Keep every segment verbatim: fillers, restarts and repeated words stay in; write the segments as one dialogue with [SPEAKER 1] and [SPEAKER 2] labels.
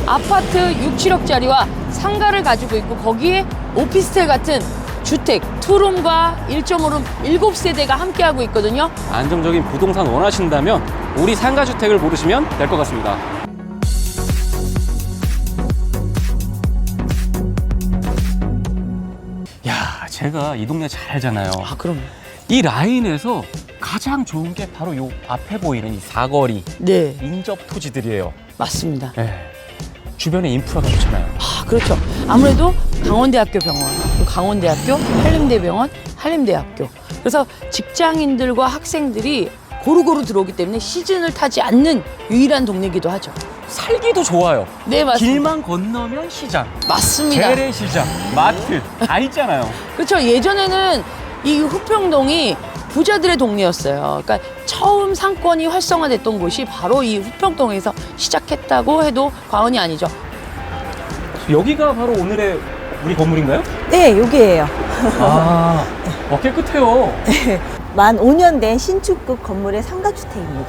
[SPEAKER 1] 아파트 육, 칠억짜리와 상가를 가지고 있고 거기에 오피스텔 같은 주택, 투룸과 일 점 오 룸 일곱 세대가 함께하고 있거든요.
[SPEAKER 2] 안정적인 부동산 원하신다면 우리 상가주택을 고르시면 될 것 같습니다. 야, 제가 이 동네 잘 알잖아요.
[SPEAKER 1] 아, 그럼.
[SPEAKER 2] 이 라인에서 가장 좋은 게 바로 요 앞에 보이는 이 사거리
[SPEAKER 1] 네,
[SPEAKER 2] 인접 토지들이에요.
[SPEAKER 1] 맞습니다.
[SPEAKER 2] 네. 주변에 인프라가 좋잖아요.
[SPEAKER 1] 아, 그렇죠. 아무래도 강원대학교 병원, 또 강원대학교, 한림대병원, 한림대학교. 그래서 직장인들과 학생들이 고루고루 들어오기 때문에 시즌을 타지 않는 유일한 동네이기도 하죠.
[SPEAKER 2] 살기도 좋아요.
[SPEAKER 1] 네, 맞습니다.
[SPEAKER 2] 길만 건너면 시장,
[SPEAKER 1] 맞습니다.
[SPEAKER 2] 재래시장, 마트 다 있잖아요.
[SPEAKER 1] 그렇죠. 예전에는 이 후평동이 부자들의 동네였어요. 그러니까 처음 상권이 활성화됐던 곳이 바로 이 후평동에서 시작했다고 해도 과언이 아니죠.
[SPEAKER 2] 여기가 바로 오늘의 우리 건물인가요?
[SPEAKER 3] 네, 여기에요.
[SPEAKER 2] 아, 어, 깨끗해요.
[SPEAKER 3] 만 오 년 된 신축급 건물의 상가주택입니다.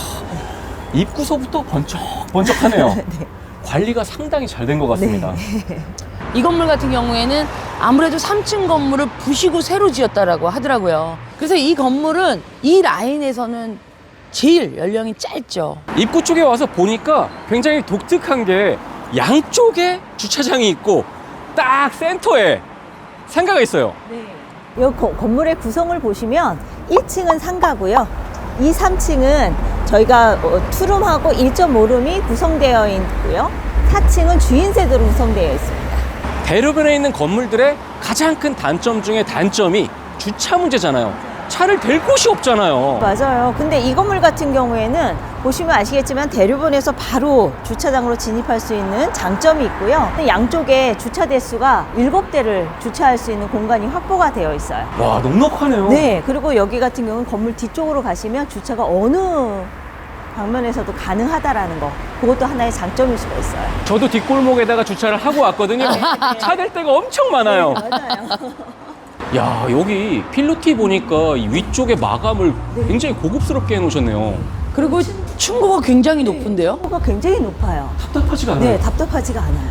[SPEAKER 2] 입구서부터 번쩍번쩍하네요.
[SPEAKER 3] 네.
[SPEAKER 2] 관리가 상당히 잘 된 것 같습니다.
[SPEAKER 1] 이 건물 같은 경우에는 아무래도 삼 층 건물을 부시고 새로 지었다라고 하더라고요. 그래서 이 건물은 이 라인에서는 제일 연령이 짧죠.
[SPEAKER 2] 입구 쪽에 와서 보니까 굉장히 독특한 게 양쪽에 주차장이 있고 딱 센터에 상가가 있어요.
[SPEAKER 3] 이 건물의 구성을 보시면 일 층은 상가고요. 이, 삼 층은 저희가 투룸하고 일 점 오 룸이 구성되어 있고요. 사 층은 주인 세대로 구성되어 있습니다.
[SPEAKER 2] 대로변에 있는 건물들의 가장 큰 단점 중에 단점이 주차 문제잖아요. 차를 댈 곳이 없잖아요.
[SPEAKER 3] 맞아요. 근데 이 건물 같은 경우에는 보시면 아시겠지만 대류본에서 바로 주차장으로 진입할 수 있는 장점이 있고요. 양쪽에 주차 대수가 일곱 대를 주차할 수 있는 공간이 확보가 되어 있어요.
[SPEAKER 2] 와, 넉넉하네요.
[SPEAKER 3] 네, 그리고 여기 같은 경우는 건물 뒤쪽으로 가시면 주차가 어느 방면에서도 가능하다라는 거, 그것도 하나의 장점일 수가 있어요.
[SPEAKER 2] 저도 뒷골목에다가 주차를 하고 왔거든요. 차 댈 데가 엄청 많아요.
[SPEAKER 3] 맞아요.
[SPEAKER 2] 야, 여기 필로티 보니까 이 위쪽에 마감을 굉장히 고급스럽게 해놓으셨네요.
[SPEAKER 1] 그리고 층고가 굉장히 높은데요.
[SPEAKER 3] 가 굉장히 높아요.
[SPEAKER 2] 답답하지가 않아요.
[SPEAKER 3] 네, 답답하지가 않아요.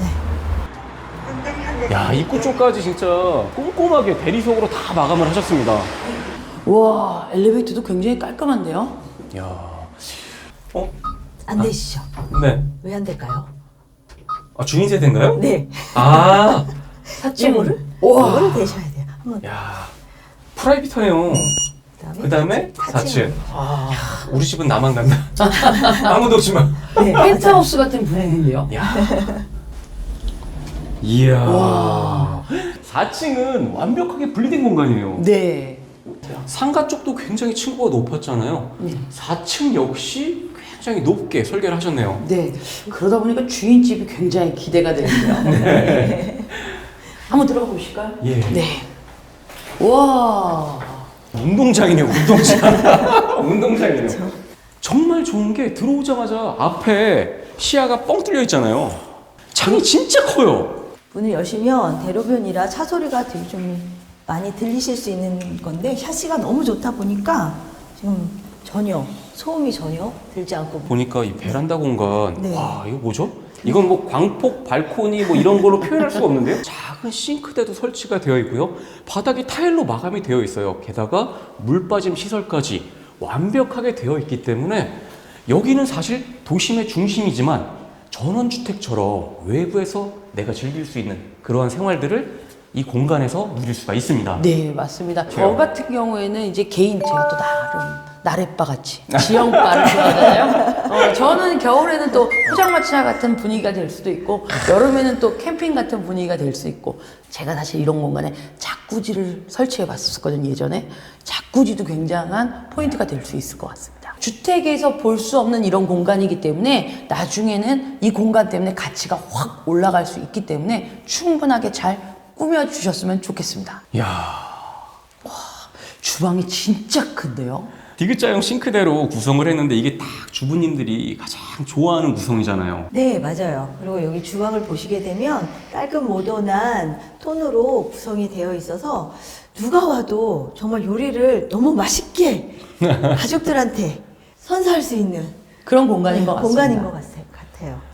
[SPEAKER 3] 네.
[SPEAKER 2] 야, 입구 쪽까지 진짜 꼼꼼하게 대리석으로 다 마감을 하셨습니다.
[SPEAKER 1] 와, 엘리베이터도 굉장히 깔끔한데요.
[SPEAKER 2] 야, 어?
[SPEAKER 3] 안 되시죠?
[SPEAKER 2] 네.
[SPEAKER 3] 왜 안 될까요?
[SPEAKER 2] 아, 주인 세대인가요?
[SPEAKER 3] 네.
[SPEAKER 2] 아,
[SPEAKER 3] 이거를?
[SPEAKER 1] 와.
[SPEAKER 3] 이거를 대셔야 돼요. 한번.
[SPEAKER 2] 야, 프라이빗하네요. 그 다음에 사 층. 아, 우리 집은 나만 간다. 아무도 없지 마.
[SPEAKER 3] 네,
[SPEAKER 1] 펜트하우스 같은 분위기인데요.
[SPEAKER 2] 야. 이야. 사 층은 완벽하게 분리된 공간이에요.
[SPEAKER 1] 네.
[SPEAKER 2] 상가 쪽도 굉장히 층고가 높았잖아요.
[SPEAKER 1] 네.
[SPEAKER 2] 사 층 역시 굉장히 높게 설계를 하셨네요.
[SPEAKER 1] 네. 그러다 보니까 주인집이 굉장히 기대가 되는데요. 네. 한번 들어가 보실까요?
[SPEAKER 2] 예.
[SPEAKER 1] 네. 와.
[SPEAKER 2] 운동장이네요, 운동장. 운동장이네요. 정말 좋은 게 들어오자마자 앞에 시야가 뻥 뚫려 있잖아요. 창이 진짜 커요.
[SPEAKER 3] 문을 여시면 대로변이라 차 소리가 되게 좀 많이 들리실 수 있는 건데 샤시가 너무 좋다 보니까 지금 전혀 소음이 전혀 들지 않고
[SPEAKER 2] 보니까 이 베란다 공간,
[SPEAKER 3] 네.
[SPEAKER 2] 와, 이거 뭐죠? 이건 뭐 광폭, 발코니 뭐 이런 걸로 표현할 수가 없는데요. 작은 싱크대도 설치가 되어 있고요. 바닥이 타일로 마감이 되어 있어요. 게다가 물 빠짐 시설까지 완벽하게 되어 있기 때문에 여기는 사실 도심의 중심이지만 전원주택처럼 외부에서 내가 즐길 수 있는 그러한 생활들을 이 공간에서 누릴 수가 있습니다.
[SPEAKER 1] 네, 맞습니다. 저 같은 경우에는 이제 개인 제가 또 나름 나래바 같이 지형바를 좋아하잖아요. 어, 저는 겨울에는 또 포장마차 같은 분위기가 될 수도 있고 여름에는 또 캠핑 같은 분위기가 될 수 있고 제가 사실 이런 공간에 자쿠지를 설치해 봤었거든요, 예전에. 자쿠지도 굉장한 포인트가 될 수 있을 것 같습니다. 주택에서 볼 수 없는 이런 공간이기 때문에 나중에는 이 공간 때문에 가치가 확 올라갈 수 있기 때문에 충분하게 잘 꾸며주셨으면 좋겠습니다.
[SPEAKER 2] 이야.
[SPEAKER 1] 주방이 진짜 큰데요?
[SPEAKER 2] 디귿자형 싱크대로 구성을 했는데 이게 딱 주부님들이 가장 좋아하는 구성이잖아요.
[SPEAKER 3] 네, 맞아요. 그리고 여기 주방을 보시게 되면 깔끔 모던한 톤으로 구성이 되어 있어서 누가 와도 정말 요리를 너무 맛있게 가족들한테 선사할 수 있는
[SPEAKER 1] 그런 공간인 것 같습니다.
[SPEAKER 3] 공간인 것 같아요.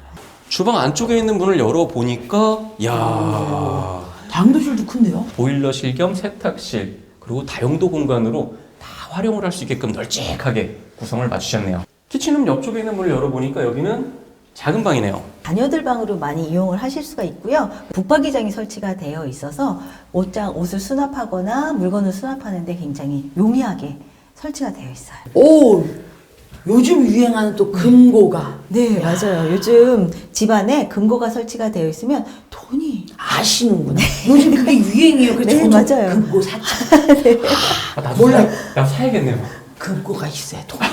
[SPEAKER 2] 주방 안쪽에 있는 문을 열어보니까 야
[SPEAKER 1] 당도실도 큰데요?
[SPEAKER 2] 보일러실 겸 세탁실 그리고 다용도 공간으로 다 활용을 할 수 있게끔 널찍하게 구성을 맞추셨네요. 키친룸 옆쪽에 있는 문을 열어보니까 여기는 작은 방이네요.
[SPEAKER 3] 자녀들 방으로 많이 이용을 하실 수가 있고요. 붙박이장이 설치가 되어 있어서 옷장, 옷을 수납하거나 물건을 수납하는데 굉장히 용이하게 설치가 되어 있어요.
[SPEAKER 1] 오, 요즘 유행하는 또 금고가.
[SPEAKER 3] 네, 맞아요. 요즘 집안에 금고가 설치가 되어 있으면 돈이
[SPEAKER 1] 아시는구나. 요즘 그게 유행이에요. 그래서
[SPEAKER 3] 네,
[SPEAKER 1] 저도
[SPEAKER 3] 맞아요.
[SPEAKER 1] 금고 샀죠.
[SPEAKER 2] 아, 나도
[SPEAKER 1] 몰라.
[SPEAKER 2] 사, 나 사야겠네요.
[SPEAKER 1] 금고가 있어야 돈이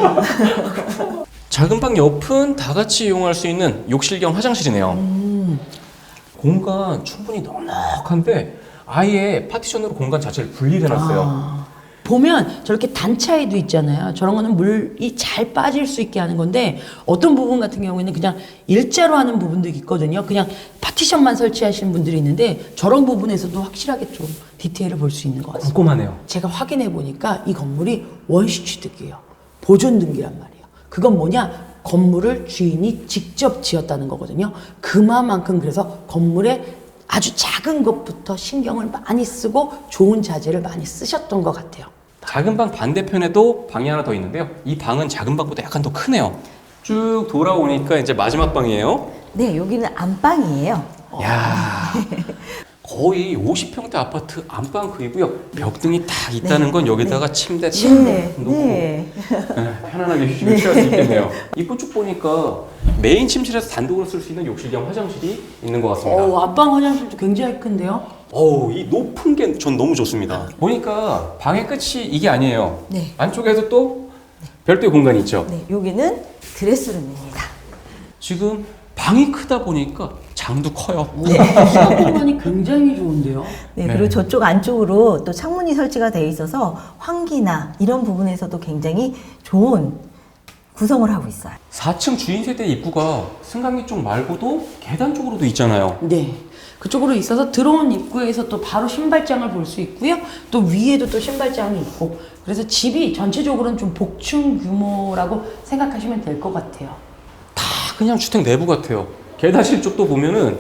[SPEAKER 1] 드는데.
[SPEAKER 2] 작은 방 옆은 다 같이 이용할 수 있는 욕실 겸 화장실이네요.
[SPEAKER 1] 음.
[SPEAKER 2] 공간 충분히 넉넉한데 아예 파티션으로 공간 자체를 분리를 해놨어요.
[SPEAKER 1] 아, 보면 저렇게 단차에도 있잖아요. 저런 거는 물이 잘 빠질 수 있게 하는 건데 어떤 부분 같은 경우에는 그냥 일자로 하는 부분도 있거든요. 그냥 파티션만 설치하시는 분들이 있는데 저런 부분에서도 확실하게 좀 디테일을 볼 수 있는 것 같습니다.
[SPEAKER 2] 꼼꼼하네요.
[SPEAKER 1] 제가 확인해 보니까 이 건물이 원시 취득이에요. 보존 등기란 말이에요. 그건 뭐냐? 건물을 주인이 직접 지었다는 거거든요. 그만큼 그래서 건물에 아주 작은 것부터 신경을 많이 쓰고 좋은 자재를 많이 쓰셨던 것 같아요.
[SPEAKER 2] 작은 방 반대편에도 방이 하나 더 있는데요. 이 방은 작은 방보다 약간 더 크네요. 쭉 돌아오니까 이제 마지막 방이에요.
[SPEAKER 3] 네, 여기는 안방이에요.
[SPEAKER 2] 야 거의 오십 평대 아파트 안방크이고요. 벽등이 다 있다는 건 여기다가 침대 딱
[SPEAKER 3] 네,
[SPEAKER 2] 놓고
[SPEAKER 3] 네.
[SPEAKER 2] 네, 편안하게 휴식을 취할 수 있겠네요. 입구 쭉 보니까 메인 침실에서 단독으로 쓸 수 있는 욕실 겸 화장실이 있는 것 같습니다.
[SPEAKER 1] 어, 앞방 화장실도 굉장히 큰데요.
[SPEAKER 2] 어우, 이 높은 게 전 너무 좋습니다. 보니까 방의 끝이 이게 아니에요.
[SPEAKER 3] 네.
[SPEAKER 2] 안쪽에도 또 별도의 공간이 있죠.
[SPEAKER 3] 네, 여기는 드레스룸입니다.
[SPEAKER 2] 지금 방이 크다 보니까 장도 커요.
[SPEAKER 1] 수납 공간이 굉장히 좋은데요.
[SPEAKER 3] 네,
[SPEAKER 2] 네.
[SPEAKER 3] 그리고 저쪽 안쪽으로 또 창문이 설치가 되어 있어서 환기나 이런 부분에서도 굉장히 좋은 구성을 하고 있어요.
[SPEAKER 2] 사 층 주인 세대 입구가 승강기 쪽 말고도 계단 쪽으로도 있잖아요.
[SPEAKER 1] 네. 그쪽으로 있어서 들어온 입구에서 또 바로 신발장을 볼 수 있고요. 또 위에도 또 신발장이 있고. 그래서 집이 전체적으로는 좀 복층 규모라고 생각하시면 될 것 같아요.
[SPEAKER 2] 다 그냥 주택 내부 같아요. 계단실 쪽도 보면은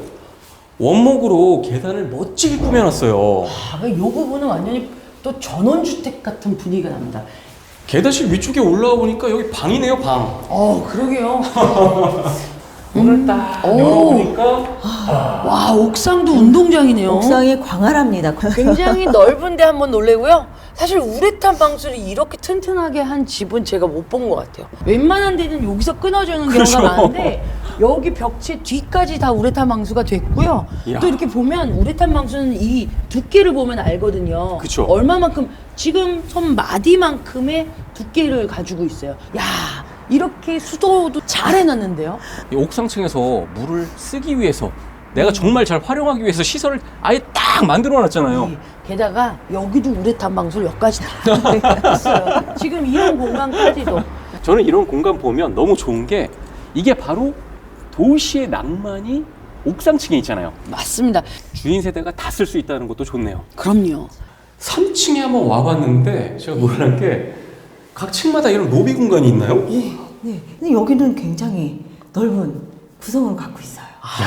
[SPEAKER 2] 원목으로 계단을 멋지게 꾸며놨어요.
[SPEAKER 1] 아, 이 부분은 완전히 또 전원주택 같은 분위기가 납니다.
[SPEAKER 2] 계단실 위쪽에 올라와 보니까 여기 방이네요, 방.
[SPEAKER 1] 어, 그러게요.
[SPEAKER 2] 문을 딱
[SPEAKER 1] 오.
[SPEAKER 2] 열어보니까
[SPEAKER 1] 와, 옥상도 운동장이네요.
[SPEAKER 3] 옥상이 광활합니다.
[SPEAKER 1] 굉장히 넓은데 한번 놀래고요. 사실 우레탄 방수를 이렇게 튼튼하게 한 집은 제가 못 본 것 같아요. 웬만한 데는 여기서 끊어주는 경우가
[SPEAKER 2] 그렇죠.
[SPEAKER 1] 많은데 여기 벽체 뒤까지 다 우레탄 방수가 됐고요.
[SPEAKER 2] 이야.
[SPEAKER 1] 또 이렇게 보면 우레탄 방수는 이 두께를 보면 알거든요.
[SPEAKER 2] 그쵸.
[SPEAKER 1] 얼마만큼 지금 손 마디만큼의 두께를 가지고 있어요. 야, 이렇게 수도도 잘 해놨는데요.
[SPEAKER 2] 이 옥상층에서 물을 쓰기 위해서 내가 정말 잘 활용하기 위해서 시설을 아예 딱 만들어 놨잖아요.
[SPEAKER 1] 네. 게다가 여기도 우레탄 방수를 여기까지 다 했어요. 지금 이런 공간까지도.
[SPEAKER 2] 저는 이런 공간 보면 너무 좋은 게 이게 바로 도시의 낭만이 옥상층에 있잖아요.
[SPEAKER 1] 맞습니다.
[SPEAKER 2] 주인 세대가 다 쓸 수 있다는 것도 좋네요.
[SPEAKER 1] 그럼요.
[SPEAKER 2] 삼 층에 한번 와봤는데 제가 놀란 게 각 층마다 이런 로비 공간이 있나요?
[SPEAKER 3] 네. 근데 여기는 굉장히 넓은 구성을 갖고 있어요.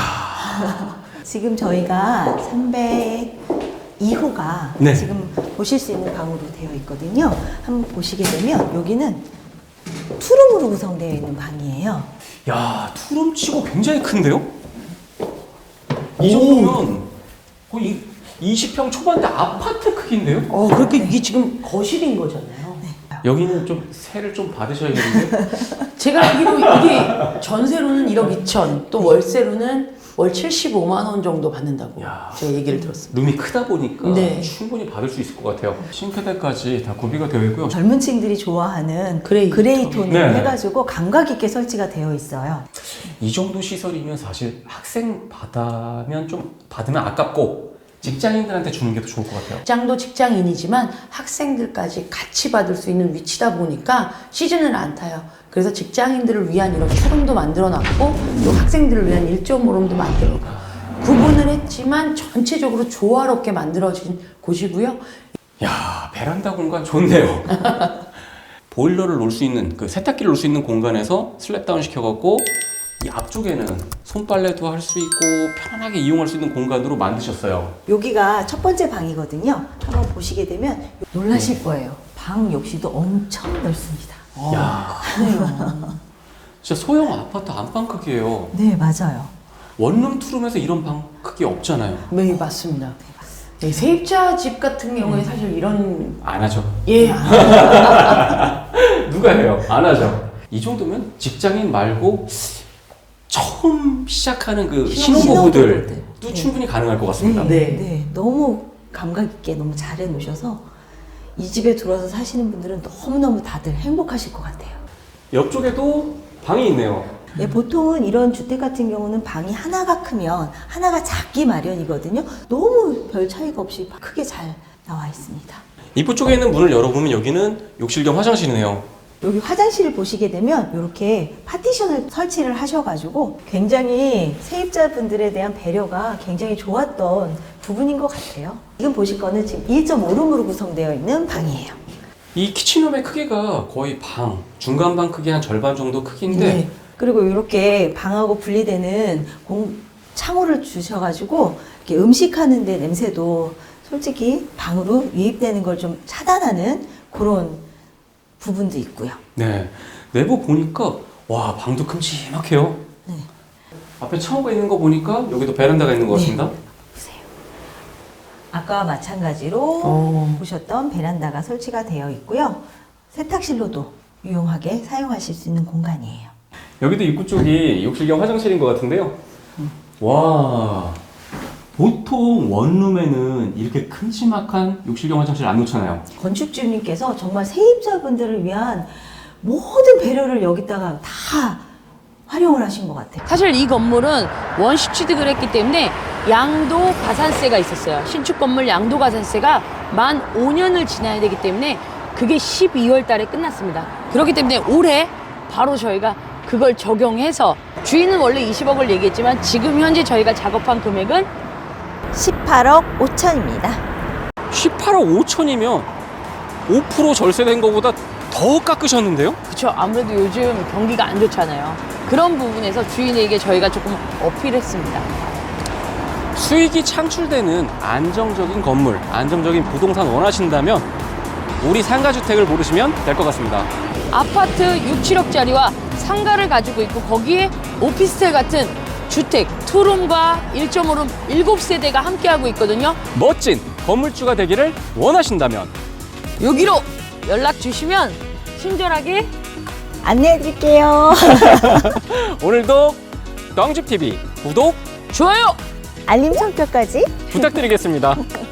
[SPEAKER 3] 지금 저희가 삼백이 호가
[SPEAKER 2] 네.
[SPEAKER 3] 지금 보실 수 있는 방으로 되어 있거든요. 한번 보시게 되면 여기는 투룸으로 구성되어 있는 방이에요.
[SPEAKER 2] 야, 투룸치고 굉장히 큰데요? 이 정도면 거의 이십 평 초반대 아파트 크기인데요?
[SPEAKER 1] 어, 그렇게 이게 지금 거실인 거잖아요.
[SPEAKER 2] 여기는 좀 세를 좀 받으셔야겠는데.
[SPEAKER 1] 제가 알기로 이게 전세로는 일억 이천, 또 월세로는 월 칠십오만 원 정도 받는다고
[SPEAKER 2] 야.
[SPEAKER 1] 제가 얘기를 들었습니다.
[SPEAKER 2] 룸이 크다 보니까
[SPEAKER 1] 네.
[SPEAKER 2] 충분히 받을 수 있을 것 같아요. 싱크대까지 다 구비가 되어 있고요.
[SPEAKER 3] 젊은 층들이 좋아하는
[SPEAKER 1] 그레이
[SPEAKER 3] 그레이
[SPEAKER 1] 톤.
[SPEAKER 3] 톤을
[SPEAKER 2] 네.
[SPEAKER 3] 해가지고 감각 있게 설치가 되어 있어요.
[SPEAKER 2] 이 정도 시설이면 사실 학생 받으면 좀 받으면 아깝고 직장인들한테 주는 게 더 좋을 것 같아요.
[SPEAKER 1] 직장도 직장인이지만 학생들까지 같이 받을 수 있는 위치다 보니까 시즌을 안 타요. 그래서 직장인들을 위한 이런 쇼룸도 만들어 놨고 또 학생들을 위한 일조모룸도 만들어 놓고 구분을 했지만 전체적으로 조화롭게 만들어진 곳이고요.
[SPEAKER 2] 야, 베란다 공간 좋네요. 보일러를 놓을 수 있는 그 세탁기를 놓을 수 있는 공간에서 슬랩 다운 시켜갖고 이 앞쪽에는 손빨래도 할 수 있고 편안하게 이용할 수 있는 공간으로 만드셨어요.
[SPEAKER 3] 여기가 첫 번째 방이거든요. 한번 보시게 되면 놀라실 거예요. 방 역시도 엄청 넓습니다.
[SPEAKER 2] 야, 진짜 소형 아파트 안방 크기예요.
[SPEAKER 3] 네, 맞아요.
[SPEAKER 2] 원룸 투룸에서 이런 방 크기 없잖아요.
[SPEAKER 1] 네, 맞습니다. 네, 세입자 집 같은 경우에 사실 이런
[SPEAKER 2] 안 하죠.
[SPEAKER 1] 예,
[SPEAKER 2] 누가 해요? 안 하죠. 이 정도면 직장인 말고 처음 시작하는 그 신혼부부들도
[SPEAKER 3] 신혼부부들. 네.
[SPEAKER 2] 충분히 가능할 것 같습니다.
[SPEAKER 1] 네.
[SPEAKER 3] 네, 너무 감각 있게 너무 잘해 놓으셔서 이 집에 들어와서 사시는 분들은 너무너무 다들 행복하실 것 같아요.
[SPEAKER 2] 옆쪽에도 방이 있네요.
[SPEAKER 3] 네, 보통은 이런 주택 같은 경우는 방이 하나가 크면 하나가 작기 마련이거든요. 너무 별 차이가 없이 크게 잘 나와 있습니다.
[SPEAKER 2] 입구 쪽에 있는 문을 열어보면 여기는 욕실 겸 화장실이네요.
[SPEAKER 3] 여기 화장실을 보시게 되면 이렇게 파티션을 설치를 하셔가지고 굉장히 세입자분들에 대한 배려가 굉장히 좋았던 부분인 것 같아요. 지금 보실 거는 지금 일 점 오 룸으로 구성되어 있는 방이에요.
[SPEAKER 2] 이 키친룸의 크기가 거의 방, 중간 방 크기 한 절반 정도 크기인데
[SPEAKER 3] 네. 그리고 이렇게 방하고 분리되는 공, 창호를 주셔가지고 이렇게 음식하는데 냄새도 솔직히 방으로 유입되는 걸 좀 차단하는 그런 부분도 있고요.
[SPEAKER 2] 네, 내부 보니까 와 방도 큼지막해요.
[SPEAKER 3] 네.
[SPEAKER 2] 앞에 창호가 있는 거 보니까 여기도 베란다가 있는 것 같습니다.
[SPEAKER 3] 보세요. 아까와 마찬가지로
[SPEAKER 1] 어.
[SPEAKER 3] 보셨던 베란다가 설치가 되어 있고요. 세탁실로도 유용하게 사용하실 수 있는 공간이에요.
[SPEAKER 2] 여기도 입구 쪽이 욕실 겸 화장실인 것 같은데요. 와, 보통 원룸에는 이렇게 큼지막한 욕실 겸 화장실 안 놓잖아요.
[SPEAKER 3] 건축주님께서 정말 세입자분들을 위한 모든 배려를 여기다가 다 활용을 하신 것 같아요.
[SPEAKER 1] 사실 이 건물은 원시 취득을 했기 때문에 양도 가산세가 있었어요. 신축 건물 양도 가산세가 만 오 년을 지나야 되기 때문에 그게 십이월 달에 끝났습니다. 그렇기 때문에 올해 바로 저희가 그걸 적용해서 주인은 원래 이십억을 얘기했지만 지금 현재 저희가 작업한 금액은
[SPEAKER 3] 십팔억 오천입니다.
[SPEAKER 2] 십팔억 오천이면 오 퍼센트 절세된 것보다 더 깎으셨는데요?
[SPEAKER 1] 그쵸, 아무래도 요즘 경기가 안 좋잖아요. 그런 부분에서 주인에게 저희가 조금 어필했습니다.
[SPEAKER 2] 수익이 창출되는 안정적인 건물, 안정적인 부동산 원하신다면 우리 상가주택을 고르시면 될 것 같습니다.
[SPEAKER 1] 아파트 육, 칠억짜리와 상가를 가지고 있고 거기에 오피스텔 같은 주택, 투룸과 일 점 오 룸 일곱 세대가 함께하고 있거든요.
[SPEAKER 2] 멋진 건물주가 되기를 원하신다면
[SPEAKER 1] 여기로 연락 주시면 친절하게
[SPEAKER 3] 안내해 드릴게요.
[SPEAKER 2] 오늘도 떵집티비 구독
[SPEAKER 1] 좋아요!
[SPEAKER 3] 알림 설정까지
[SPEAKER 2] 부탁드리겠습니다.